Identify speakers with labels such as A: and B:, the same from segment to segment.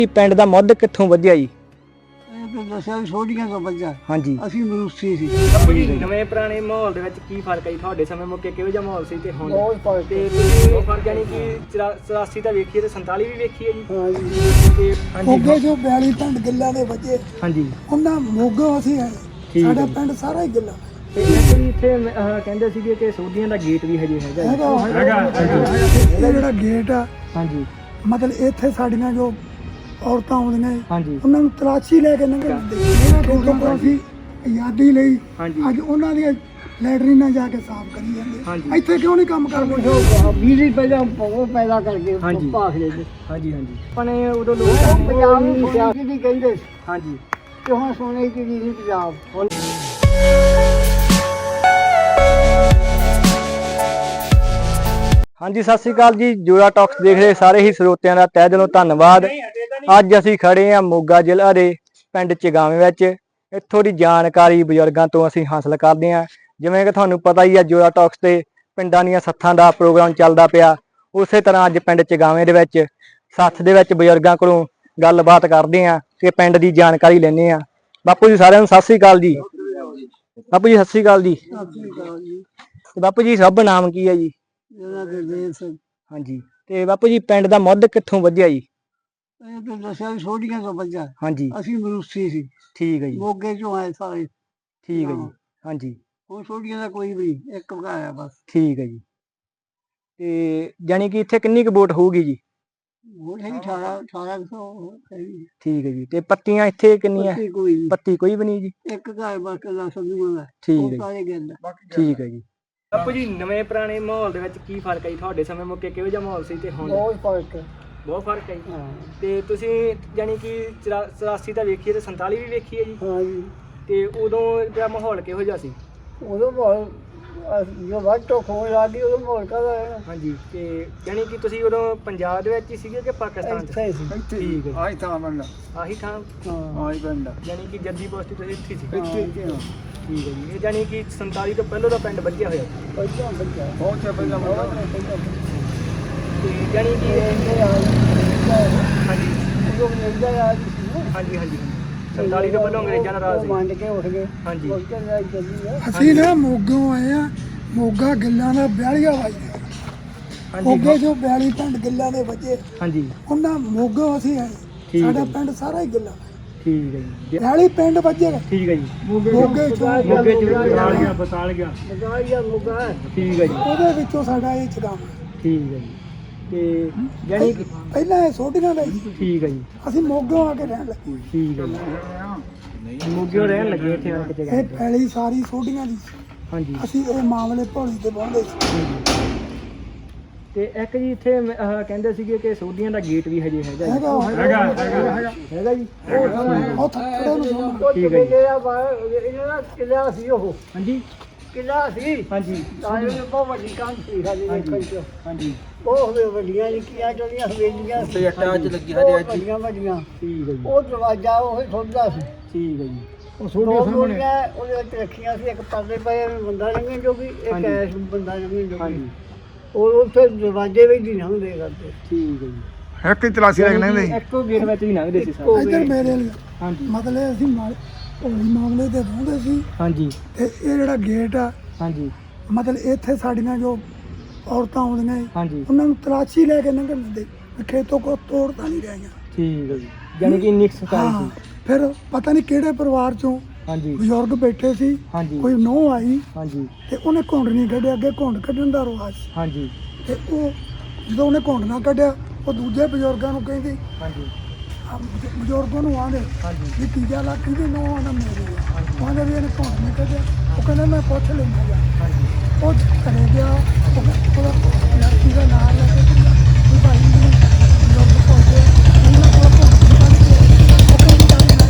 A: ਪਿੰਡ ਦਾ ਮੁੱਢ ਕਿੱਥੋਂ ਵਧਿਆ ਜੀ?
B: ਦੱਸਿਆ ਵੀ ਛੋਟੀਆਂ ਤੋਂ ਬੱਚਾ
A: ਹਾਂਜੀ
B: ਅਸੀਂ ਮਨੁੱਖੀ ਸੀ।
C: ਨਵੇਂ ਪੁਰਾਣੇ ਮਾਹੌਲ ਦੇ ਵਿੱਚ ਕੀ ਫਰਕ ਹੈ ਜੀ? ਤੁਹਾਡੇ ਸਮੇਂ ਮੌਕੇ ਕਿਹੋ ਜਿਹਾ ਮਾਹੌਲ ਸੀ ਤੇ ਹੁਣ?
B: ਬਹੁਤ ਫਰਕ
C: ਤੇ ਤੁਸੀਂ ਉਹ ਫਰਕ ਯਾਨੀ ਕਿ 84 ਦਾ ਵੇਖੀਏ ਤੇ 47 ਵੀ ਵੇਖੀ ਹੈ ਜੀ।
B: ਹਾਂਜੀ
C: ਤੇ
B: ਮੋਗੇ ਜੋ 42 ਪਿੰਡ ਗਿੱਲਾਂ ਦੇ ਬੱਚੇ
C: ਹਾਂਜੀ
B: ਉਹਨਾਂ ਮੋਗੋਂ ਅਸੀਂ ਆਏ।
C: ਠੀਕ ਹੈ
B: ਸਾਡਾ
C: ਜੀ।
B: ਪਿੰਡ ਸਾਰਾ ਹੀ ਗਿੱਲਾ
C: ਤੇ ਇੱਕ ਵੀ ਇੱਥੇ ਕਹਿੰਦੇ ਸੀਗੇ ਕਿ ਸੋਧੀਆਂ ਦਾ ਗੇਟ ਵੀ ਹਜੇ ਹੈਗਾ ਜੀ।
B: ਇਹ ਜਿਹੜਾ ਗੇਟ ਆ
C: ਹਾਂਜੀ
B: ਮਤਲਬ ਇੱਥੇ ਸਾਡੀਆਂ ਜੋ ਔਰਤਾਂ ਆਉਂਦੀਆਂ
C: ਹਾਂਜੀ
B: ਉਹਨਾਂ ਨੂੰ ਤਲਾਸ਼ੀ ਲੈ ਕੇ ਲੰਘਣ ਦਿੰਦੇ ਕਿਉਂਕਿ ਅਸੀਂ ਆਜ਼ਾਦੀ ਲਈ
C: ਹਾਂਜੀ
B: ਅੱਜ ਉਹਨਾਂ ਦੀਆਂ ਲੈਟਰੀਨਾਂ ਜਾ ਕੇ ਸਾਫ਼ ਕਰੀ ਜਾਂਦੇ
C: ਹਾਂਜੀ
B: ਇੱਥੇ ਕਿਉਂ ਨਹੀਂ ਕੰਮ ਕਰਦੇ? ਬਿਜਲੀ ਪਹਿਲਾਂ ਉਹ ਪੈਦਾ ਕਰਕੇ
C: ਹਾਂਜੀ।
B: ਭਾਖੜੇ ਦੇ
C: ਹਾਂਜੀ ਹਾਂਜੀ ਆਪਾਂ ਨੇ ਉਦੋਂ ਲੋਕ
B: ਪੰਜਾਬ ਨੂੰ ਸਿਆਸੀ ਦੀ ਕਹਿੰਦੇ ਸੀ
C: ਹਾਂਜੀ
B: ਤੇ ਹੁਣ ਸੋਨੇ ਦੀ ਚੀਜ਼ ਨਹੀਂ ਪੰਜਾਬ ਹੁਣ
A: ਹਾਂਜੀ ਸਤਿ ਸ੍ਰੀ ਅਕਾਲ ਜੀ। ਜੋੜਾ ਟਾਕਸ ਦੇਖ ਰਹੇ ਸਾਰੇ ਹੀ ਸਰੋਤਿਆਂ ਦਾ ਤਹਿ ਦਿਲੋਂ ਧੰਨਵਾਦ। ਅੱਜ ਅਸੀਂ ਖੜੇ ਹਾਂ ਮੋਗਾ ਜ਼ਿਲ੍ਹਾ ਦੇ ਪਿੰਡ ਚਗਾਵੇਂ ਵਿੱਚ। ਇੱਥੋਂ ਦੀ ਜਾਣਕਾਰੀ ਬਜ਼ੁਰਗਾਂ ਤੋਂ ਅਸੀਂ ਹਾਸਲ ਕਰਦੇ ਹਾਂ। ਜਿਵੇਂ ਕਿ ਤੁਹਾਨੂੰ ਪਤਾ ਹੀ ਹੈ ਜੋੜਾ ਟਾਕਸ ਤੇ ਪਿੰਡਾਂ ਦੀਆਂ ਸੱਥਾਂ ਦਾ ਪ੍ਰੋਗਰਾਮ ਚੱਲਦਾ ਪਿਆ। ਉਸੇ ਤਰ੍ਹਾਂ ਅੱਜ ਪਿੰਡ ਚਗਾਵੇਂ ਦੇ ਵਿੱਚ ਸੱਥ ਦੇ ਵਿੱਚ ਬਜ਼ੁਰਗਾਂ ਕੋਲੋਂ ਗੱਲਬਾਤ ਕਰਦੇ ਹਾਂ ਤੇ ਪਿੰਡ ਦੀ ਜਾਣਕਾਰੀ ਲੈਂਦੇ ਹਾਂ। ਬਾਪੂ ਜੀ ਸਾਰਿਆਂ ਨੂੰ ਸਤਿ ਸ੍ਰੀ ਅਕਾਲ ਜੀ। ਬਾਪੂ ਜੀ ਸਤਿ ਸ੍ਰੀ ਅਕਾਲ ਜੀ। ਤੇ ਬਾਪੂ ਜੀ ਸਭ ਨਾਮ ਕੀ ਹੈ ਜੀ? ਹਾਂਜੀ ਤੇ ਬਾਪੂ ਜੀ ਪਿੰਡ ਦਾ ਮੁੱਢ ਕਿੱਥੋਂ ਵਧਿਆ ਜੀ?
B: ਇਹ ਤਾਂ ਦੱਸਿਆ ਵੀ ਛੋਟੀਆਂ ਤੋਂ ਬੱਚਾ
A: ਹਾਂਜੀ
B: ਅਸੀਂ ਮਨੁੱਖੀ ਸੀ।
A: ਠੀਕ ਹੈ ਜੀ।
B: ਮੋਗੇ ਚੋਂ ਆਏ ਸਾਰੇ।
A: ਠੀਕ ਹੈ ਜੀ। ਹਾਂਜੀ
B: ਉਹ ਛੋਟੀਆਂ ਦਾ ਕੋਈ ਵੀ ਇੱਕ ਵਗਾਇਆ ਬਸ।
A: ਠੀਕ ਹੈ ਜੀ। ਤੇ ਜਾਣੀ ਕਿ ਇੱਥੇ ਕਿੰਨੀ ਕੁ ਵੋਟ ਹੋਊਗੀ ਜੀ?
B: ਉਹ ਹੈਗੀ 1800 ਹੈਗੀ।
A: ਠੀਕ ਹੈ ਜੀ। ਤੇ ਪੱਤੀਆਂ ਇੱਥੇ ਕਿੰਨੀਆਂ?
B: ਪੱਤੀ ਕੋਈ ਨਹੀਂ
A: ਪੱਤੀ ਕੋਈ ਵੀ ਨਹੀਂ ਜੀ।
B: ਇੱਕ ਘਰ ਬਾਕੀ ਦਾ ਸੰਧੂਆਂ ਦਾ
A: ਠੀਕ
B: ਉਹ
A: ਹੈ ਜੀ।
B: ਸਾਰੇ ਗਿੰਦ
A: ਠੀਕ ਹੈ ਜੀ।
C: ਬਾਪੂ ਜੀ ਨਵੇਂ ਪੁਰਾਣੇ ਮਾਹੌਲ ਦੇ ਵਿੱਚ ਕੀ ਫਰਕ ਹੈ ਜੀ? ਤੁਹਾਡੇ ਸਮੇਂ ਮੌਕੇ ਕਿਹੋ ਜਿਹਾ ਮਾਹੌਲ ਸੀ ਤੇ ਹੁਣ?
B: ਬਹੁਤ ਫਰਕ ਹੈ।
C: ਬਹੁਤ ਫਰਕ ਹੈ ਜੀ।
B: ਹਾਂ
C: ਤੇ ਤੁਸੀਂ ਯਾਨੀ ਕਿ 84 ਦਾ ਵੇਖੀਏ ਤੇ 47 ਵੀ ਵੇਖੀ ਹੈ ਜੀ।
B: ਹਾਂਜੀ
C: ਤੇ ਉਦੋਂ ਦਾ ਮਾਹੌਲ ਕਿਹੋ ਜਿਹਾ ਸੀ?
B: ਉਦੋਂ ਮਾਹੌਲ ਜੋ ਵੱਧ ਤੋਂ ਖੋਜ ਲੱਗੀ ਉਦੋਂ ਮਾਹੌਲ ਕਾਹਦਾ ਹੈ
C: ਹਾਂਜੀ ਤੇ ਯਾਨੀ ਕਿ ਤੁਸੀਂ ਉਦੋਂ ਪੰਜਾਬ ਦੇ ਵਿੱਚ ਹੀ ਸੀਗੇ ਕਿ ਪਾਕਿਸਤਾਨ 'ਚ?
B: ਇੱਥੇ ਸੀ
C: ਠੀਕ ਹੈ
B: ਆਹੀ ਥਾਂ ਬੰਦਾ
C: ਆਹੀ ਥਾਂ
B: ਹਾਂ ਆਹੀ ਬੰਦਾ
C: ਯਾਨੀ ਕਿ ਜੱਦੀ ਪੋਸਟ ਤੁਸੀਂ ਇੱਥੇ ਸੀ?
B: ਇੱਥੇ
C: ਠੀਕ ਹੈ ਜੀ। ਇਹ ਯਾਨੀ ਕਿ 47 ਤੋਂ ਪਹਿਲਾਂ ਦਾ ਪਿੰਡ ਵੱਜਿਆ ਹੋਇਆ ਸੀ।
B: ਪਹਿਲਾਂ ਬੱਚਾ ਬਹੁਤ ਚਾ ਪਹਿਲਾਂ
C: ਤੇ ਯਾਨੀ ਕਿ ਹਾਂਜੀ
B: ਉਦੋਂ ਮਿਲਦਾ ਆ ਜੀ
C: ਹਾਂਜੀ ਹਾਂਜੀ 47 ਤੋਂ ਪਹਿਲਾਂ ਅੰਗਰੇਜ਼ਾਂ ਨਾਲ ਰਾਜ ਸੀ।
B: ਮੰਨ ਕੇ ਉੱਠ ਗਏ
C: ਹਾਂਜੀ
B: ਅਸੀਂ ਨਾ ਮੋਗੋਂ ਆਏ ਆ। ਮੋਗਾ ਗਿੱਲਾਂ ਦਾ 42 ਵਾਈ ਮੋਗੇ
C: ਹਾਂਜੀ
B: ਜੋ 42 ਪਿੰਡ ਗਿੱਲਾਂ ਦੇ ਬੱਚੇ
C: ਹਾਂਜੀ
B: ਉਹਨਾਂ ਮੋਗੋਂ ਅਸੀਂ ਆਏ।
C: ਠੀਕ ਹੈ
B: ਸਾਡਾ
C: ਜੀ।
B: ਪਿੰਡ ਸਾਰਾ ਹੀ ਗਿੱਲਾ
C: ਠੀਕ ਹੈ ਜੀ।
B: 42 ਪਿੰਡ ਬੱਚੇ
C: ਠੀਕ ਹੈ ਜੀ।
B: ਮੋਗੇ
C: ਮੋਗੇ ਚ ਬਸਾਲ ਗਿਆ
B: ਬਗਾਇਆ ਮੋਗਾ ਹੈ।
C: ਠੀਕ ਹੈ ਜੀ।
B: ਉਹਦੇ ਵਿੱਚੋਂ ਸਾਡਾ ਇਹ ਚਗਾਵਾ
C: ਠੀਕ ਹੈ ਜੀ। ਤੇ ਯਾਨੀ ਕਿ
B: ਪਹਿਲਾਂ ਇਹ ਛੋਟੀਆਂ ਦਾ ਸੀ।
C: ਠੀਕ ਹੈ ਜੀ।
B: ਅਸੀਂ ਮੋਗੋਂ ਆ ਕੇ ਰਹਿਣ ਲੱਗੇ।
C: ਠੀਕ ਹੈ ਜੀ। ਮੋਗਿਓ ਰਹਿਣ ਲੱਗੇ ਇੱਥੇ ਆ ਕੇ
B: ਇਹ
C: ਜਗ੍ਹਾ।
B: ਪਹਿਲੀ ਸਾਰੀ ਛੋਟੀਆਂ ਦੀ ਸੀ।
C: ਹਾਂਜੀ
B: ਅਸੀਂ ਇਹ ਮਾਮਲੇ ਭੋਲੀ ਤੇ ਪਾਉਂਦੇ ਸੀ।
C: ਤੇ ਇੱਕ ਜੀ ਇੱਥੇ ਕਹਿੰਦੇ ਸੀਗੇ ਕਿ ਸੋਧੀਆਂ ਦਾ ਗੇਟ ਵੀ ਹਜੇ ਹੈਗਾ ਜੀ। ਹੈਗਾ ਜੀ।
B: ਉਹ ਥੱਕੜੇ ਨੂੰ ਸੁਣ
C: ਠੀਕ ਹੈ ਜੀ।
B: ਇਹਨਾਂ ਦਾ ਕਿਲਾ ਸੀ ਉਹ
C: ਹਾਂਜੀ
B: ਕਿਲਾ ਸੀ
C: ਹਾਂਜੀ
B: ਤਾਂ ਇਹ ਬਹੁਤ ਵੱਡੀ ਕੰਧ ਸੀ ਸਾਡੇ ਦੇਖਣ ਚ
C: ਹਾਂਜੀ
B: ਬਹੁਤ ਵੱਡੀਆਂ ਨਿੱਕੀਆਂ ਜਿਹੜੀਆਂ ਹਵੇਲੀਆਂ ਸੀ
C: ਚ ਲੱਗੀ
B: ਵੱਡੀਆਂ ਵੱਡੀਆਂ
C: ਠੀਕ ਹੈ ਜੀ।
B: ਉਹ ਦਰਵਾਜ਼ਾ ਉਹ ਖੁੱਲਦਾ ਸੀ।
C: ਠੀਕ ਹੈ ਜੀ। ਉਹ
B: ਦੋ
C: ਸਾਹਮਣੇ
B: ਗੋਲੀਆਂ ਉਹਦੇ ਵਿੱਚ ਰੱਖੀਆਂ ਸੀ। ਇੱਕ ਪਰਲੇ ਪਏ ਬੰਦਾ ਲੰਘਣ ਜੋਗੀ ਇੱਕ
C: ਹਾਂਜੀ।
B: ਐਸ ਬੰਦਾ ਲੰਘਣ ਜੋਗੀ
C: ਹਾਂਜੀ
B: ਉਹ ਉੱਥੇ ਦਰਵਾਜ਼ੇ ਵਿੱਚ ਹੀ ਲੰਘਦੇ ਕਰਦੇ।
C: ਠੀਕ ਹੈ ਜੀ।
B: ਇੱਕ ਹੀ ਤਲਾਸ਼ੀ
C: ਇੱਕੋ ਗੇਟ ਵਿੱਚ ਵੀ ਲੰਘਦੇ ਸੀ ਸਾਰੇ।
B: ਇੱਧਰ ਮੇਰੇ ਲਈ
C: ਹਾਂਜੀ
B: ਮਤਲਬ ਅਸੀਂ ਭੋਲੀ ਮਾਮਲੇ ਤੇ ਰਹਿੰਦੇ ਸੀ
C: ਹਾਂਜੀ
B: ਤੇ ਇਹ ਜਿਹੜਾ ਗੇਟ ਆ
C: ਹਾਂਜੀ
B: ਮਤਲਬ ਇੱਥੇ ਸਾਡੀਆਂ ਜੋ ਔਰਤਾਂ ਆਉਂਦੀਆਂ
C: ਹਾਂਜੀ
B: ਉਹਨਾਂ ਨੂੰ ਤਲਾਸ਼ੀ ਲੈ ਕੇ ਲੰਘਣ ਦਿੰਦੇ। ਖੇਤੋਂ ਕੋ ਤੋੜ ਤਾਂ ਨਹੀਂ ਰਹੀਆਂ।
C: ਠੀਕ ਹੈ ਜੀ। ਯਾਨੀ ਕਿ ਇੰਨੀ ਸਤਾਈ
B: ਹਾਂ
C: ਸੀ।
B: ਫਿਰ ਪਤਾ ਨਹੀਂ ਕਿਹੜੇ ਪਰਿਵਾਰ ਚੋਂ
C: ਹਾਂਜੀ
B: ਬਜ਼ੁਰਗ ਬੈਠੇ ਸੀ।
C: ਹਾਂਜੀ
B: ਕੋਈ ਨਹੁੰ ਆਈ
C: ਹਾਂਜੀ
B: ਤੇ ਉਹਨੇ ਘੁੰਡ ਨਹੀਂ ਕੱਢਿਆ। ਅੱਗੇ ਘੁੰਡ ਕੱਢਣ ਦਾ ਰਿਵਾਜ ਸੀ
C: ਹਾਂਜੀ
B: ਤੇ ਉਹ ਜਦੋਂ ਉਹਨੇ ਘੁੰਡ ਨਾ ਕੱਢਿਆ ਉਹ ਦੂਜੇ ਬਜ਼ੁਰਗਾਂ ਨੂੰ ਕਹਿੰਦੀ
C: ਹਾਂਜੀ
B: ਬਜ਼ੁਰਗਾਂ ਨੂੰ ਆਂਦੇ
C: ਹਾਂਜੀ
B: ਵੀ ਤੀਜਾ ਲੱਖ ਦੀ ਨਹੁੰ ਆਂਦਾ ਮੇਰੀ ਆ। ਕਹਿੰਦੇ ਵੀ ਇਹਨੇ ਘੁੰਡ ਨਹੀਂ ਕੱਢਿਆ। ਉਹ ਕਹਿੰਦਾ ਮੈਂ ਪੁੱਛ ਲੈਂਦਾ ਜਾ।
C: ਹਾਂਜੀ
B: ਉਹ ਘਰੇ ਗਿਆ ਉਹਦਾ ਲੜਕੀ ਦਾ ਨਾਮ ਲੈ ਕੇ ਵੀ ਭਾਈ ਮੈਨੂੰ ਬਜ਼ੁਰਗ ਪਹੁੰਚੇ ਉਹਨਾਂ ਕੋਲ ਘੁੰਡ ਨਹੀਂ ਕੱਢਿਆ। ਉਹ ਕਹਿੰਦੀ ਚੱਲ ਮੈਂ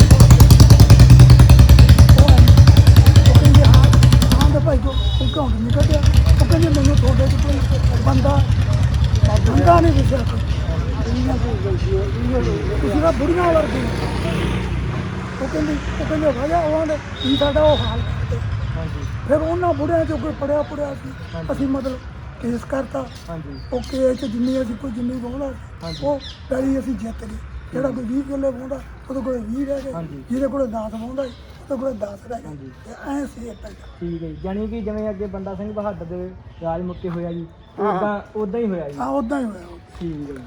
B: ਉਹ ਕਹਿੰਦੇ ਹਾਂ ਤਾਂ ਭਾਈ ਕੋ ਘੁੰਡ ਨਹੀਂ ਕੱਢਿਆ। ਉਹ ਕਹਿੰਦੇ ਮੈਨੂੰ ਤੁਹਾਡੇ ਚ ਕੋਈ ਬੰਦਾ ਨਹੀਂ ਵਿਚਾਰ ਤੁਸੀਂ ਤਾਂ ਬੁੜੀਆਂ ਵਰਗੀ। ਉਹ ਕਹਿੰਦੇ ਵਜ੍ਹਾ ਉਹ ਆਂਦੇ ਕੀ ਸਾਡਾ ਉਹ ਹਾਲ ਕਰਦੇ।
C: ਹਾਂਜੀ
B: ਫਿਰ ਉਹਨਾਂ ਬੁੜਿਆਂ ਚੋਂ ਕੋਈ ਪੜਿਆ ਸੀ। ਅਸੀਂ ਮਤਲਬ ਕੇਸ ਕਰਤਾ।
C: ਹਾਂਜੀ
B: ਉਹ ਕੇਸ 'ਚ ਜਿੰਨੀ ਅਸੀਂ ਕੋਈ ਜਿੰਨੀ ਬੋਲਾ
C: ਹਾਂਜੀ।
B: ਉਹ ਪਹਿਲੀ ਅਸੀਂ ਜਿੱਤ ਗਏ। ਜਿਹੜਾ ਕੋਈ 20 ਕਿੱਲੇ ਵਾਹੁੰਦਾ ਉਹਦੇ ਕੋਲ 20 ਰਹਿ ਗਏ,
C: ਹਾਂਜੀ।
B: ਜਿਹਦੇ ਕੋਲ 10 ਵਾਹੁੰਦਾ ਉਹਦੇ ਕੋਲ 10 ਰਹਿ ਗਏ, ਤੇ ਐਂ ਸੀ ਇਹ ਪਿੰਡ।
C: ਠੀਕ ਹੈ ਜੀ, ਜਾਣੀ ਕਿ ਜਿਵੇਂ ਅੱਗੇ ਬੰਦਾ ਸਿੰਘ ਬਹਾਦਰ ਦੇ ਰਾਜ ਮੁਕਤੇ ਹੋਇਆ ਜੀ, ਉਦਾਂ ਹੀ ਹੋਇਆ ਜੀ।
B: ਆ ਉਦਾਂ ਹੀ ਹੋਇਆ।
C: ਠੀਕ ਹੈ ਜੀ।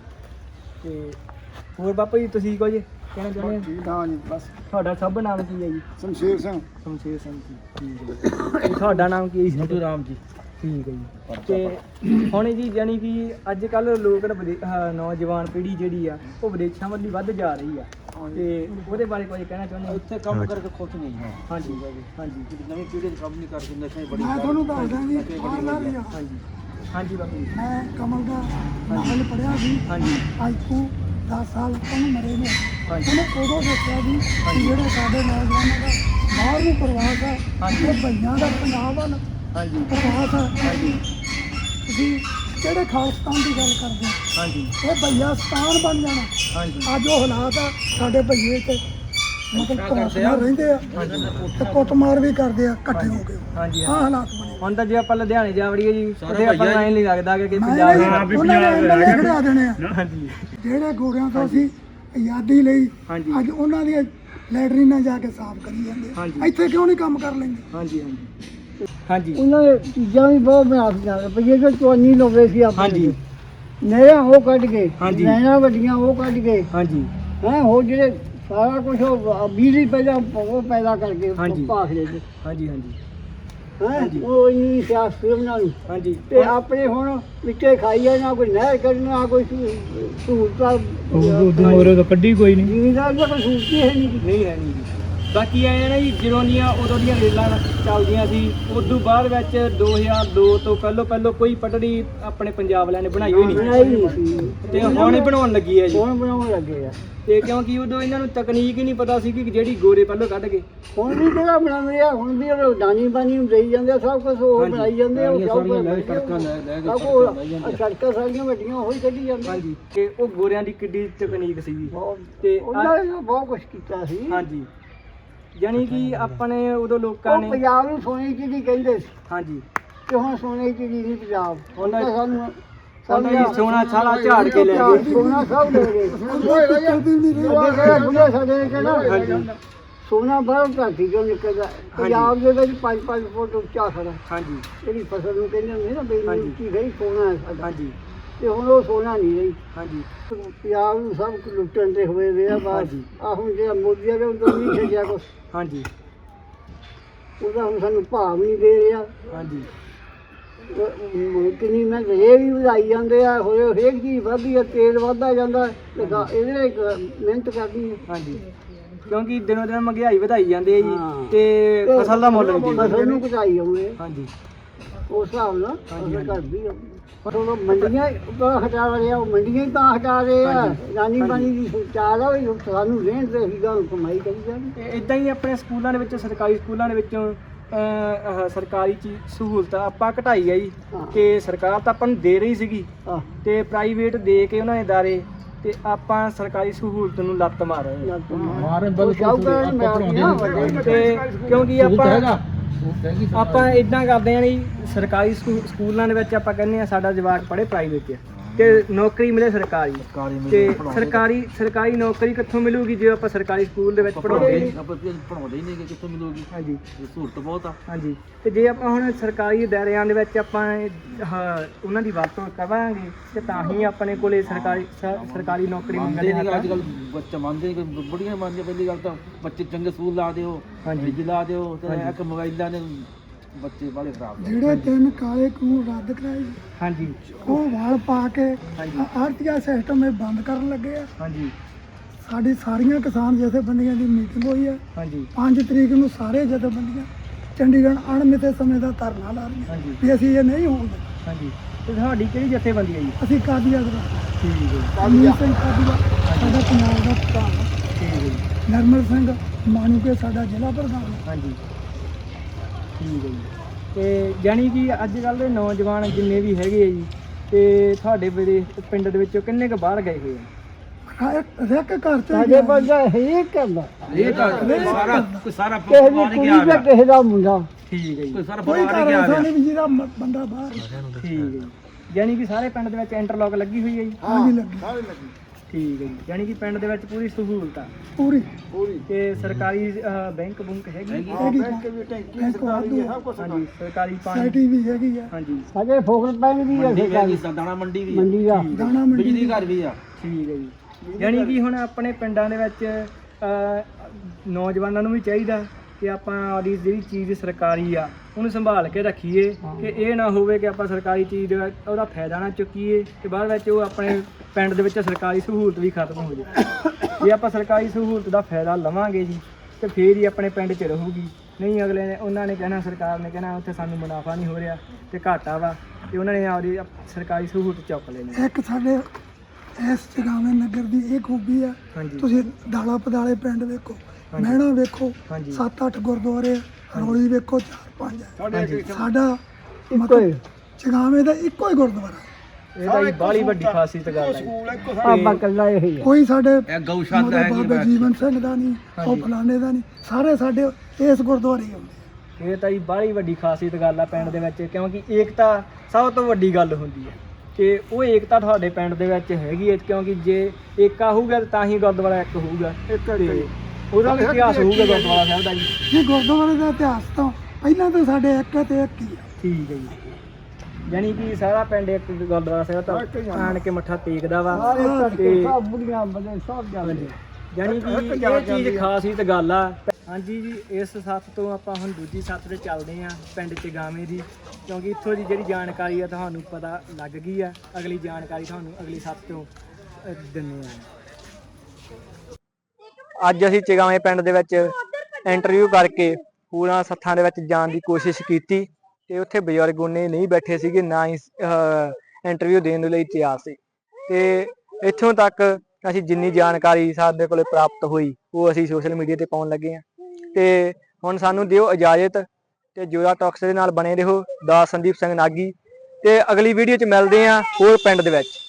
C: ਤੇ ਹੋਰ ਬਾਪੂ ਜੀ ਤੁਸੀਂ ਕੁਝ ਕਹਿਣਾ ਚਾਹੁੰਦੇ ਹੋ?
B: ਹਾਂ ਜੀ, ਬਸ
C: ਤੁਹਾਡਾ ਸਭ ਨਾਮ ਕੀ ਹੈ ਜੀ?
B: ਸ਼ਮਸ਼ੇਰ ਸਿੰਘ।
C: ਸ਼ਮਸ਼ੇਰ ਸਿੰਘ ਜੀ। ਠੀਕ ਹੈ ਜੀ। ਤੇ ਤੁਹਾਡਾ ਨਾਮ ਕੀ ਹੈ ਜੀ?
A: ਮਧੂ ਰਾਮ ਜੀ।
C: ਠੀਕ ਹੈ ਜੀ। ਤੇ ਹੁਣ ਜੀ ਜਾਣੀ ਕਿ ਅੱਜ ਕੱਲ ਲੋਕ ਨੌਜਵਾਨ ਪੀੜ੍ਹੀ ਜਿਹੜੀ ਆ ਉਹ ਵਿਦੇਸ਼ਾਂ ਵੱਲ ਵੱਧ ਜਾ ਰਹੀ ਆ, ਤੇ ਉਹਦੇ ਬਾਰੇ ਕੁਝ ਕਹਿਣਾ ਚਾਹੁੰਦੇ ਹੋ?
A: ਇੱਥੇ ਕੰਮ ਕਰਕੇ ਖੁਸ਼ ਨਹੀਂ ਹੈ।
C: ਹਾਂਜੀ ਹਾਂਜੀ
A: ਨਵੀਂ ਪੀੜ੍ਹੀ ਦੇ ਕੰਮ ਨਹੀਂ ਕਰਦੇ, ਨਸ਼ੇ ਬੜੀ
B: ਮੈਂ ਤੁਹਾਨੂੰ ਦੱਸਦਾ ਜੀ, ਬਾਹਰਲਾ ਵੀ ਆ।
C: ਹਾਂਜੀ ਹਾਂਜੀ ਬਾਪੂ ਜੀ।
B: ਮੈਂ ਕਮਲ ਦਾ ਨਾਵਲ ਪੜ੍ਹਿਆ ਸੀ,
C: ਹਾਂਜੀ
B: ਅੱਜ ਤੋਂ 10 ਸਾਲ ਉਹਨੂੰ ਮਰੇ ਨੇ।
C: ਹਾਂਜੀ
B: ਉਹਨੇ ਉਦੋਂ ਦੱਸਿਆ ਜੀ ਕਿ ਜਿਹੜੇ ਸਾਡੇ ਨੌਜਵਾਨਾਂ ਦਾ ਬਾਹਰ ਨੂੰ ਪ੍ਰਵਾਸ ਆ,
C: ਹਾਂਜੀ।
B: ਇਹ ਭਈਆਂ ਦਾ ਪੰਜਾਬ ਵੱਲ
C: ਹਾਂਜੀ
B: ਪ੍ਰਵਾਸ ਆ।
C: ਹਾਂਜੀ
B: ਤੁਸੀਂ ਕਿਹੜੇ ਖਾਲਿਸਤਾਨ ਦੀ ਗੱਲ ਕਰਦੇ ਹੋ?
C: ਹਾਂਜੀ
B: ਇਹ ਭਈਆ ਸਤਾਨ ਬਣ ਜਾਣਾ।
C: ਹਾਂਜੀ
B: ਅੱਜ ਉਹ ਹਾਲਾਤ ਆ, ਸਾਡੇ ਭਈਏ ਤੇ ਮਤਲਬ ਕਲਾਸਾਂ ਰਹਿੰਦੇ ਆ ਤੇ ਕੁੱਟਮਾਰ ਵੀ ਕਰਦੇ ਆ ਇਕੱਠੇ ਹੋ ਕੇ।
C: ਹਾਂਜੀ
B: ਆਹ ਹਾਲਾਤ ਬਣੇ।
C: ਹੁਣ ਤਾਂ ਜੇ ਆਪਾਂ ਲੁਧਿਆਣੇ ਜਾ ਵੜੀਏ ਜੀ, ਉੱਥੇ ਆਪਾਂ ਨੂੰ ਐਂ ਨਹੀਂ ਲੱਗਦਾ ਕਿ
B: ਮੈਂ
C: ਪੰਜਾਬ
B: ਉਹਨਾਂ ਨੇ MLA ਖੜਾ ਦੇਣੇ ਆ।
C: ਹਾਂਜੀ
B: ਜਿਹੜੇ ਗੋਰਿਆਂ ਤੋਂ ਅਸੀਂ ਆਜ਼ਾਦੀ ਲਈ,
C: ਹਾਂਜੀ
B: ਅੱਜ ਉਹਨਾਂ ਦੀਆਂ ਲੈਟਰੀਨਾਂ ਜਾ ਕੇ ਸਾਫ਼ ਕਰੀ ਜਾਂਦੇ ਆ।
C: ਹਾਂਜੀ।
B: ਇੱਥੇ ਕਿਉਂ ਨਹੀਂ ਕੰਮ ਕਰ ਲੈਂਦੇ?
C: ਹਾਂਜੀ ਹਾਂਜੀ
B: ਉਹਨਾਂ ਦੇ ਚੀਜ਼ਾਂ ਵੀ ਬਹੁਤ ਬਣਾ ਦਿੱਤੀਆਂ, ਰੁਪਈਏ ਜੋ ਚੋਨੀ ਲਾਉਂਦੇ ਸੀ
C: ਹਾਂਜੀ
B: ਨਹਿਰਾਂ ਉਹ ਕੱਢ ਕੇ,
C: ਹਾਂਜੀ।
B: ਨਹਿਰਾਂ ਵੱਡੀਆਂ ਉਹ ਕੱਢ ਕੇ,
C: ਹਾਂਜੀ
B: ਹੈ ਉਹ ਜਿਹੜੇ ਸਾਰਾ ਕੁਝ ਬਿਜਲੀ ਪਹਿਲਾਂ ਉਹ ਪੈਦਾ ਕਰਕੇ
C: ਹਾਂਜੀ।
B: ਭਾਖੜੇ ਚ
C: ਹਾਂਜੀ ਹਾਂਜੀ
B: ਹੈ
C: ਹਾਂਜੀ।
B: ਉਹ ਇੰਨੀ ਸਿਆਸਤ ਬਣਾ ਲਈ
C: ਹਾਂਜੀ
B: ਤੇ ਆਪਣੇ ਹੁਣ ਵਿੱਚੇ ਖਾਈਏ, ਨਾ ਕੋਈ ਨਹਿਰ ਕੱਢਣਾ, ਨਾ ਕੋਈ ਸਹੂਲਤਾਂ।
C: ਤਾਂ ਕੱਢੀ ਕੋਈ ਨਹੀਂ
B: ਜ਼ਿਮੀਦਾਰ ਦਾ ਕੋਈ ਸਹੂਲਤ ਹੀ ਹੈ ਨਹੀਂ।
C: ਨਹੀਂ ਹੈ ਨਹੀਂ ਜੀ। ਬਾਕੀ ਐ ਨਾ ਜੀ, ਜਦੋਂ ਦੀਆਂ ਉਦੋਂ ਦੀਆਂ ਰੇਲਾਂ ਚੱਲਦੀਆਂ ਸੀ, ਉਦੋਂ ਬਾਅਦ ਵਿੱਚ 2002 ਤੋਂ ਪਹਿਲੋਂ ਕੋਈ ਪਟੜੀ ਆਪਣੇ ਪੰਜਾਬ ਵਾਲਿਆਂ ਨੇ ਬਣਾਈ ਹੋਈ ਨਹੀਂ,
B: ਬਣਾਈ ਨਹੀਂ ਸੀ,
C: ਤੇ ਹੁਣ ਹੀ ਬਣਾਉਣ ਲੱਗੀ ਹੈ ਜੀ।
B: ਹੁਣ ਬਣਾਉਣ ਲੱਗੇ ਆ।
C: ਤੇ ਕਿਉਂਕਿ ਉਦੋਂ ਇਹਨਾਂ ਨੂੰ ਤਕਨੀਕ ਹੀ ਨਹੀਂ ਪਤਾ ਸੀ ਕਿ ਜਿਹੜੀ ਗੋਰੇ ਪਹਿਲੋਂ ਕੱਢ ਕੇ।
B: ਹੁਣ ਵੀ ਕਿਹੜਾ ਬਣਾਉਂਦੇ ਆ, ਹੁਣ ਵੀ ਉਹ ਦਾਨੀ ਬਾਨੀ ਨੂੰ ਦੇਈ ਜਾਂਦੇ ਆ, ਸਭ ਕੁਝ ਉਹ
C: ਹਾਂਜੀ।
B: ਬਣਾਈ ਜਾਂਦੇ ਆ। ਉਹ ਸਭ ਕੁਝ
C: ਹਾਂਜੀ।
B: ਸੜਕਾਂ ਸਾਰੀਆਂ ਵੱਡੀਆਂ ਉਹੀ ਕੱਢੀ ਜਾਂਦੇ ਆ।
C: ਹਾਂਜੀ, ਤੇ ਉਹ ਗੋਰਿਆਂ ਦੀ ਕਿੱਡੀ ਤਕਨੀਕ ਸੀਗੀ।
B: ਬਹੁਤ-
C: ਤੇ
B: ਉਹਨਾਂ ਨੇ ਬਹੁਤ ਕੁਝ ਕੀਤਾ ਸੀ।
C: ਹਾਂਜੀ, ਜਾਣੀ ਕਿ ਆਪਣੇ ਉਦੋਂ ਲੋਕਾਂ
B: ਉਹ
C: ਨੇ
B: ਪੰਜਾਬ ਨੂੰ ਸੋਨੇ ਦੀ ਚਿੜੀ ਕਹਿੰਦੇ ਸੀ,
C: ਹਾਂਜੀ
B: ਤੇ ਹੁਣ ਸੋਨੇ ਦੀ ਚਿੜੀ ਨਹੀਂ ਪੰਜਾਬ। ਹੁਣ ਤਾਂ ਸਾਨੂੰ
C: ਉਹਨਾਂ ਦੀ ਸੋਨਾ ਸਾਰਾ ਝਾੜ ਕੇ ਲੈ ਗਏ।
B: ਸੋਨਾ ਸਭ ਲੈ ਗਏ। ਬੁੱਢੇ ਸਾਡੇ ਨੇ ਕਹਿਣਾ ਸੋਨਾ ਬਾਹਰ ਧਰਤੀ ਚੋਂ ਨਿਕਲਦਾ, ਪੰਜਾਬ ਦੇ ਵਿੱਚ 5-5 ਫੁੱਟ ਉੱਚਾ ਖੜਾ।
C: ਹਾਂਜੀ
B: ਜਿਹੜੀ ਫਸਲ ਨੂੰ ਕਹਿੰਦੇ ਹੁੰਦੇ ਨਾ ਬਈ
C: ਹਾਂਜੀ।
B: ਉੱਚੀ ਗਈ, ਸੋਨਾ ਹੈ ਸਾਡਾ।
C: ਹਾਂਜੀ
B: ਤੇ ਹੁਣ ਉਹ ਸੋਨਾ ਨਹੀਂ ਰਹੀ।
C: ਹਾਂਜੀ
B: ਪੰਜਾਬ ਨੂੰ ਸਭ ਕੁਝ ਲੁੱਟਣ ਤੇ ਹੋਏ ਵੇ ਆ ਬਸ।
C: ਹਾਂਜੀ।
B: ਆ ਹੁਣ ਜਿਹੜਾ ਮੋਦੀ ਆ ਉਹ ਤਾਂ ਨਹੀਂ ਛੱਡਿਆ ਕੁਛ,
C: ਹਾਂਜੀ
B: ਉਹਦਾ ਹੁਣ ਸਾਨੂੰ ਭਾਵ ਨਹੀਂ ਦੇ ਰਿਹਾ।
C: ਹਾਂਜੀ
B: ਕਿੰਨੀ ਮੈਂ ਇਹ ਵੀ ਵਧਾਈ ਜਾਂਦੇ ਆ, ਹੋਏ ਹਰੇਕ ਚੀਜ਼ ਵਧਦੀ ਆ, ਤੇਲ ਵਧਦਾ ਜਾਂਦਾ, ਤੇ ਇਹਦੇ ਲਈ ਮਿਹਨਤ ਕਰਦੀ ਹੈ।
C: ਹਾਂਜੀ, ਕਿਉਂਕਿ ਦਿਨੋਂ ਦਿਨ ਮਹਿੰਗਾਈ ਵਧਾਈ ਜਾਂਦੀ ਹੈ ਜੀ,
B: ਹਾਂ।
C: ਤੇ ਫਸਲ ਦਾ ਮੁੱਲ ਨਹੀਂ ਦਿੰਦੇ।
B: ਫਸਲ ਨੂੰ ਘਟਾਈ ਆਉਂਦੇ
C: ਹਾਂਜੀ
B: ਉਸ ਹਿਸਾਬ ਨਾਲ
C: ਹਾਂਜੀ,
B: ਫਸਲ ਘਟਦੀ ਆ। ਪਰ ਉਹ ਮੰਡੀਆਂ ਤਾਂ ਹਟਾ ਰਹੇ ਆ, ਉਹ ਮੰਡੀਆਂ ਹੀ ਤਾਂ ਹਟਾ ਰਹੇ ਆ।
C: ਹਾਂਜੀ।
B: ਰਾਨੀ
C: ਹਾਂਜੀ।
B: ਪਾਣੀ ਦੀ ਚਾਹ ਆ ਵੀ ਸਾਨੂੰ ਰਹਿਣ ਤੇ ਅਸੀਂ ਗਾਂ ਕਮਾਈ ਕਰੀ ਜਾਂਦੇ।
C: ਇਦਾਂ ਹੀ ਆਪਣੇ ਸਕੂਲਾਂ ਦੇ ਵਿੱਚ, ਸਰਕਾਰੀ ਸਕੂਲਾਂ ਦੇ ਵਿੱਚੋਂ ਸਰਕਾਰੀ ਚੀਜ਼ ਸਹੂਲਤਾਂ ਆਪਾਂ ਘਟਾਈ ਹੈ ਜੀ,
B: ਹਾਂ।
C: ਤੇ ਸਰਕਾਰ ਤਾਂ ਆਪਾਂ ਨੂੰ ਦੇ ਰਹੀ ਸੀਗੀ,
B: ਆਹ
C: ਤੇ ਪ੍ਰਾਈਵੇਟ ਦੇ ਕੇ ਉਹਨਾਂ ਨੇ ਦਾਰੇ, ਤੇ ਆਪਾਂ ਸਰਕਾਰੀ ਸਹੂਲਤ ਨੂੰ ਲੱਤ ਮਾਰ ਰਹੇ ਹਾਂ। ਤੇ ਕਿਉਂਕਿ ਆਪਾਂ ਇਦਾਂ ਕਰਦੇ ਹਾਂ ਜੀ, ਸਰਕਾਰੀ ਸਕੂਲਾਂ ਦੇ ਵਿੱਚ ਆਪਾਂ ਕਹਿੰਦੇ ਆ ਸਾਡਾ ਜਵਾਕ ਪੜ੍ਹੇ ਪ੍ਰਾਈਵੇਟ 'ਚ, ਤੇ ਨੌਕਰੀ ਮਿਲੇ ਸਰਕਾਰੀ, ਤੇ ਸਰਕਾਰੀ ਨੌਕਰੀ ਕਿੱਥੋਂ ਮਿਲੂਗੀ ਜੇ ਆਪਾਂ ਸਰਕਾਰੀ ਸਕੂਲ ਦੇ ਵਿੱਚ ਪੜ੍ਹਾਉਂਦੇ
A: ਪੜਾਉਂਦੇ ਹੀ ਨਹੀਂ ਕਿ ਕਿੱਥੋਂ ਮਿਲੂਗੀ।
C: ਹਾਂਜੀ
A: ਸਹੂਲਤ ਬਹੁਤ ਆ।
C: ਹਾਂਜੀ, ਤੇ ਜੇ ਆਪਾਂ ਹੁਣ ਸਰਕਾਰੀ ਦਾਇਰਿਆਂ ਦੇ ਵਿੱਚ ਆਪਾਂ ਉਹਨਾਂ ਦੀ ਵਰਤੋਂ ਕਰਾਂਗੇ, ਤੇ ਤਾਂ ਹੀ ਆਪਣੇ ਕੋਲੇ ਸਰਕਾਰੀ ਨੌਕਰੀ
A: ਮੰਨਦੇ
C: ਮਿਲਣੀ
A: ਨਹੀਂ ਅੱਜ ਕੱਲ੍ਹ ਬੱਚੇ, ਮੰਨਦੇ ਨਹੀਂ, ਬੜੀਆਂ ਮੰਨਦੇ। ਪਹਿਲੀ ਗੱਲ ਤਾਂ ਬੱਚੇ ਚੰਗੇ ਸਕੂਲ ਲਾ ਦਿਓ,
C: ਹਾਂਜੀ।
A: ਬਿਜਲੀ ਲਾ ਦਿਓ, ਤੇ
C: ਹਾਂਜੀ।
A: ਇੱਕ ਮੋਬਾਈਲਾਂ ਨੇ ਬੱਚੇ ਵਾਲੇ ਖਰਾਬ ਨੇ।
B: ਜਿਹੜੇ 3 ਕਾਲੇ ਕਾਨੂੰਨ ਰੱਦ ਕਰਾਏ,
C: ਹਾਂਜੀ
B: ਉਹ ਵਾਲ ਪਾ ਕੇ
C: ਹਾਂਜੀ।
B: ਆਰਟੀਆ ਸਿਸਟਮ ਇਹ ਬੰਦ ਕਰਨ ਲੱਗੇ ਆ।
C: ਹਾਂਜੀ
B: ਸਾਡੀ ਸਾਰੀਆਂ ਕਿਸਾਨ ਜਥੇਬੰਦੀਆਂ ਦੀ ਮੀਟਿੰਗ ਹੋਈ ਹੈ।
C: ਹਾਂਜੀ
B: 5 ਤਰੀਕ ਨੂੰ ਸਾਰੇ ਜਥੇਬੰਦੀਆਂ ਚੰਡੀਗੜ੍ਹ ਅਣਮਿੱਥੇ ਸਮੇਂ ਦਾ ਧਰਨਾ ਲਾ ਰਹੀਆਂ
C: ਹਾਂਜੀ
B: ਵੀ ਅਸੀਂ ਇਹ ਨਹੀਂ ਹੋਣ ਦੇਣਾ।
C: ਹਾਂਜੀ, ਤੇ ਤੁਹਾਡੀ ਕਿਹੜੀ ਜਥੇਬੰਦੀ ਹੈ ਜੀ?
B: ਅਸੀਂ ਕਾਦੀਆ ਦਾ
C: ਠੀਕ ਹੈ ਜੀ,
B: ਕਾਦੀਆ ਸਿੰਘ ਕਾਦੀਆ ਸਾਡਾ ਪੰਜਾਬ ਦਾ ਪ੍ਰਧਾਨ ਹੈ।
C: ਠੀਕ ਹੈ ਜੀ,
B: ਨਰਮਲ ਸਿੰਘ ਮਾਣੂਕੇ ਸਾਡਾ ਜ਼ਿਲ੍ਹਾ ਪ੍ਰਧਾਨ ਹੈ।
C: ਹਾਂਜੀ ਠੀਕ ਹੈ ਜੀ। ਤੇ ਜਾਣੀ ਕਿ ਅੱਜ ਕੱਲ੍ਹ ਦੇ ਨੌਜਵਾਨ ਜਿੰਨੇ ਵੀ ਹੈਗੇ ਆ ਜੀ, ਤੇ ਤੁਹਾਡੇ ਪਿੰਡ ਦੇ ਵਿੱਚੋਂ ਕਿੰਨੇ ਕੁ ਬਾਹਰ ਗਏ ਹੋਏ ਆ?
B: ਇੱਕ ਘਰ ਚ ਸਾਡੇ ਬੰਦਾ ਹਰੇਕ ਕਰਦਾ,
A: ਇਹ ਤਾਂ ਸਾਰਾ
B: ਕਿਸੇ ਦੀ ਕੁੜੀ ਤੇ ਕਿਸੇ ਦਾ ਮੁੰਡਾ,
C: ਠੀਕ ਹੈ ਜੀ,
A: ਸਾਰਾ
B: ਕੋਈ ਘਰ ਐਸਾ ਨਹੀਂ ਵੀ ਜਿਹਦਾ ਬੰਦਾ ਬਾਹਰ।
C: ਠੀਕ ਹੈ ਜੀ। ਯਾਨੀ ਕਿ ਸਾਰੇ ਪਿੰਡ ਦੇ ਵਿੱਚ ਇੰਟਰਲੌਕ ਲੱਗੀ ਹੋਈ ਹੈ ਜੀ?
B: ਹਾਂਜੀ ਲੱਗੀ।
C: ਠੀਕ ਹੈ ਜੀ, ਯਾਨੀ ਕਿ ਪਿੰਡ ਦੇ ਵਿੱਚ ਪੂਰੀ ਸਹੂਲਤ ਆ
B: ਪੂਰੀ
C: ਤੇ ਸਰਕਾਰੀ ਬੈਂਕ ਬੁੰਕ ਹੈਗੀ
B: ਹੈਗੀ
D: ਬੈਂਕ ਵੀ ਟੈਂਕੀ
B: ਬੈਂਕ
D: ਸਰਕਾਰੀ ਹੈ, ਸਭ ਕੁਛ
C: ਹਾਂਜੀ ਸਰਕਾਰੀ ਪਾਣੀ
B: ਸਾਈਟੀ ਵੀ ਹੈਗੀ ਆ
C: ਹਾਂਜੀ
E: ਅਜੇ ਫੋਕਟ ਪੈਨ ਵੀ ਹੈ
D: ਮੰਡੀ ਵੀ ਹੈਗੀ, ਦਾਣਾ ਮੰਡੀ ਵੀ ਹੈ,
E: ਮੰਡੀ ਦਾ
B: ਦਾਣਾ ਮੰਡੀ
D: ਬਿਜਲੀ ਘਰ ਵੀ ਆ।
C: ਠੀਕ ਹੈ ਜੀ, ਯਾਨੀ ਕਿ ਹੁਣ ਆਪਣੇ ਪਿੰਡਾਂ ਦੇ ਵਿੱਚ ਨੌਜਵਾਨਾਂ ਨੂੰ ਵੀ ਚਾਹੀਦਾ ਕਿ ਆਪਾਂ ਆਪਦੀ ਜਿਹੜੀ ਚੀਜ਼ ਸਰਕਾਰੀ ਆ ਉਹਨੂੰ ਸੰਭਾਲ ਕੇ ਰੱਖੀਏ ਕਿ ਇਹ ਨਾ ਹੋਵੇ ਕਿ ਆਪਾਂ ਸਰਕਾਰੀ ਚੀਜ਼ ਦਾ ਉਹਦਾ ਫਾਇਦਾ ਨਾ ਚੁੱਕੀਏ ਤੇ ਬਾਅਦ ਵਿੱਚ ਉਹ ਆਪਣੇ ਪਿੰਡ ਦੇ ਵਿੱਚ ਸਰਕਾਰੀ ਸਹੂਲਤ ਵੀ ਖਤਮ ਹੋ ਜਾਏ। ਜੇ ਆਪਾਂ ਸਰਕਾਰੀ ਸਹੂਲਤ ਦਾ ਫਾਇਦਾ ਲਵਾਂਗੇ ਜੀ ਤੇ ਫੇਰ ਹੀ ਆਪਣੇ ਪਿੰਡ 'ਚ ਰਹੂਗੀ, ਨਹੀਂ ਅਗਲੇ ਨੇ ਉਹਨਾਂ ਨੇ ਕਹਿਣਾ, ਸਰਕਾਰ ਨੇ ਕਹਿਣਾ ਉੱਥੇ ਸਾਨੂੰ ਮੁਨਾਫਾ ਨਹੀਂ ਹੋ ਰਿਹਾ ਤੇ ਘਾਟਾ ਵਾ, ਤੇ ਉਹਨਾਂ ਨੇ ਆਪਦੀ ਸਰਕਾਰੀ ਸਹੂਲਤ ਚੁੱਕ ਲੈਣੀ।
B: ਇੱਕ ਸਾਡੇ ਇਸ ਜਗਾਵੇਂ ਨਗਰ ਦੀ ਇਹ ਖੂਬੀ ਆ,
C: ਹਾਂਜੀ
B: ਤੁਸੀਂ ਦਾਲਾ ਪਦਾਲੇ ਪਿੰਡ ਵੇਖੋ, ਮਹਿਣਾ ਵੇਖੋ,
C: ਹਾਂਜੀ
B: 7-8 ਗੁਰਦੁਆਰੇ, ਰੋਲੀ ਵੇਖੋ 4-5
C: ਹਾਂਜੀ
B: ਸਾਡਾ ਮਤਲਬ ਜਗਾਵੇਂ ਦਾ ਇੱਕੋ ਹੀ ਗੁਰਦੁਆਰਾ,
C: ਇਹ ਤਾਂ ਜੀ ਬਾਹਲੀ ਵੱਡੀ ਖਾਸੀਅਤ ਗੱਲ ਹੈ ਜੀ।
D: ਸਕੂਲ ਇੱਕੋ
E: ਬਾਬਾ ਕੱਲਾ ਇਹ ਹੀ ਹੈ।
B: ਕੋਈ ਸਾਡੇ
D: ਇਹ ਗਊਸ਼ਾਲਾ ਹੈਗੀ
B: ਬਾਬਾ ਜੀਵਨ ਸਿੰਘ ਦਾ ਨਹੀਂ, ਉਹ
C: ਹਾਂਜੀ।
B: ਫਲਾਣੇ ਦਾ ਨਹੀਂ, ਸਾਰੇ ਸਾਡੇ ਇਸ ਗੁਰਦੁਆਰੇ ਹੀ ਆਉਂਦੇ।
C: ਇਹ ਤਾਂ ਜੀ ਬਾਹਲੀ ਵੱਡੀ ਖਾਸੀਅਤ ਗੱਲ ਆ ਪਿੰਡ ਦੇ ਵਿੱਚ, ਕਿਉਂਕਿ ਏਕਤਾ ਸਭ ਤੋਂ ਵੱਡੀ ਗੱਲ ਹੁੰਦੀ ਹੈ ਕਿ ਉਹ ਏਕਤਾ ਤੁਹਾਡੇ ਪਿੰਡ ਦੇ ਵਿੱਚ ਹੈਗੀ ਹੈ, ਕਿਉਂਕਿ ਜੇ ਏਕਾ ਹੋਊਗਾ ਤਾਂ ਹੀ ਗੁਰਦੁਆਰਾ ਇੱਕ ਹੋਊਗਾ ਤੇ ਉਹਦਾ ਵੀ ਇਤਿਹਾਸ ਹੋਊਗਾ ਗੁਰਦੁਆਰਾ ਸਾਹਿਬ ਦਾ ਜੀ।
B: ਇਹ ਗੁਰਦੁਆਰੇ ਦਾ ਇਤਿਹਾਸ ਤਾਂ ਪਹਿਲਾਂ ਤਾਂ ਸਾਡੇ ਇੱਕ ਤੇ ਇੱਕ ਹੀ ਆ।
C: ਠੀਕ ਹੈ ਜੀ, ਯਾਨੀ ਕਿ ਸਾਰਾ ਪਿੰਡ ਇੱਕ ਗੁਰਦੁਆਰਾ ਸਾਹਿਬ ਤਾਂ ਆਣ ਕੇ ਮੱਥਾ ਟੇਕਦਾ ਵਾ ਤੇ
E: ਸਭ ਬੁੜੀਆਂ ਬੰਦੇ ਸਭ ਜਾਂਦੇ
C: ਹਾਂਜੀ, ਯਾਨੀ ਕਿ ਇਹ ਚੀਜ਼ ਖਾਸੀਅਤ ਗੱਲ ਆ। ਹਾਂਜੀ ਜੀ, ਇਸ ਸੱਥ ਤੋਂ ਆਪਾਂ ਹੁਣ ਦੂਜੀ ਸੱਥ ਤੇ ਚੱਲਦੇ ਆਂ ਪਿੰਡ ਚਗਾਵੇਂ ਦੀ, ਕਿਉਂਕਿ ਇੱਥੋਂ ਦੀ ਜਿਹੜੀ ਜਾਣਕਾਰੀ ਆ ਤੁਹਾਨੂੰ ਪਤਾ ਲੱਗ ਗਈ ਆ। ਅਗਲੀ ਜਾਣਕਾਰੀ ਤੁਹਾਨੂੰ ਅਗਲੀ ਸੱਥ ਤੋਂ ਦਿੰਦੇ ਆ।
A: ਅੱਜ ਅਸੀਂ ਚਗਾਵੇਂ ਪਿੰਡ ਦੇ ਵਿੱਚ ਇੰਟਰਵਿਊ ਕਰਕੇ ਪੂਰਾ ਸੱਥਾਂ ਦੇ ਵਿੱਚ ਜਾਣ ਦੀ ਕੋਸ਼ਿਸ਼ ਕੀਤੀ ਤੇ ਉੱਥੇ ਬਜ਼ੁਰਗ ਉਹਨੇ ਨਹੀਂ ਬੈਠੇ ਸੀਗੇ, ਨਾ ਹੀ ਇੰਟਰਵਿਊ ਦੇਣ ਦੇ ਲਈ ਤਿਆਰ ਸੀ। ਤੇ ਇੱਥੋਂ ਤੱਕ ਅਸੀਂ ਜਿੰਨੀ ਜਾਣਕਾਰੀ ਸਾਡੇ ਕੋਲੇ ਪ੍ਰਾਪਤ ਹੋਈ ਉਹ ਅਸੀਂ ਸੋਸ਼ਲ ਮੀਡੀਆ ਤੇ ਪਾਉਣ ਲੱਗੇ ਹਾਂ। ਤੇ ਹੁਣ ਸਾਨੂੰ ਦਿਓ ਇਜਾਜ਼ਤ ਤੇ ਜੋਰਾ ਟਾਕਸ ਦੇ ਨਾਲ ਬਣੇ ਰਹੋ। ਦਾ ਸੰਦੀਪ ਸਿੰਘ ਨਾਗੀ ਤੇ ਅਗਲੀ ਵੀਡੀਓ 'ਚ ਮਿਲਦੇ ਹਾਂ ਹੋਰ ਪਿੰਡ ਦੇ ਵਿੱਚ।